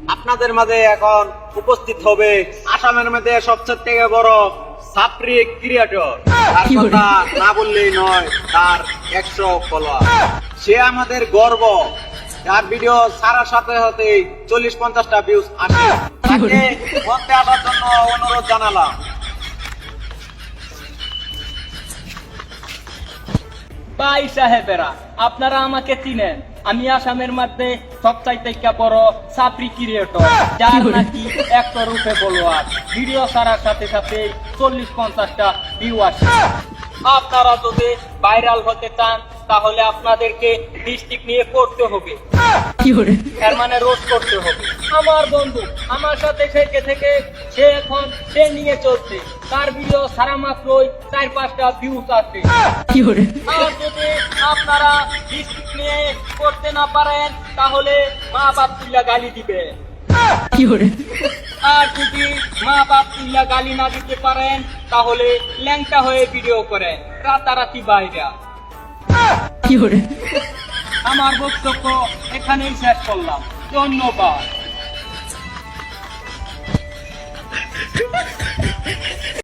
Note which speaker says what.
Speaker 1: আপনাদের মাঝে এখন উপস্থিত হবে আসামের মধ্যে সবচেয়ে থেকে বড় সাপ্রি ক্রিয়েটর। তার কথা না বললেই নয়, তার 100 ফলোয়ার। সে আমাদের গর্ব। তার ভিডিও ছাড়ার সাথে সাথে 40-50টা ভিউজ আসে। তাকে মঞ্চে আসার জন্য অনুরোধ জানালাম।
Speaker 2: ভাই সাহেবেরা, আপনারা আমাকে চিনেন। আমি আসামের মধ্যে সবচাইতে বড় সাপ্রি ক্রিয়েটর, যার নাকি 100 রূপে ফলোয়ার। ভিডিও ছাড়ার সাথে সাথে 40-50টা ভিউ আসে। আপনারা যদি ভাইরাল হতে চান তাহলে আপনাদেরকে ডিস্ট্রিক্ট নিয়ে করতে হবে, এর মানে রোজ করতে হবে। আমার বন্ধু আমার সাথে থেকে সে নিয়ে চলছে। তার ভিডিও সারা মাত্রই 4-5টা ভিউজ আসে। আর যদি আপনারা ডিস্ট্রিক্ট নিয়ে করতে না পারেন তাহলে মা বাপ তুল্লা গালি দিবে। আর যদি মা বাপ তুল্লা গালি না দিতে পারেন তাহলে ল্যাংটা হয়ে ভিডিও করেন রাতারাতি বাইরে। আমার বক্তব্য এখানেই শেষ করলাম। ধন্যবাদ।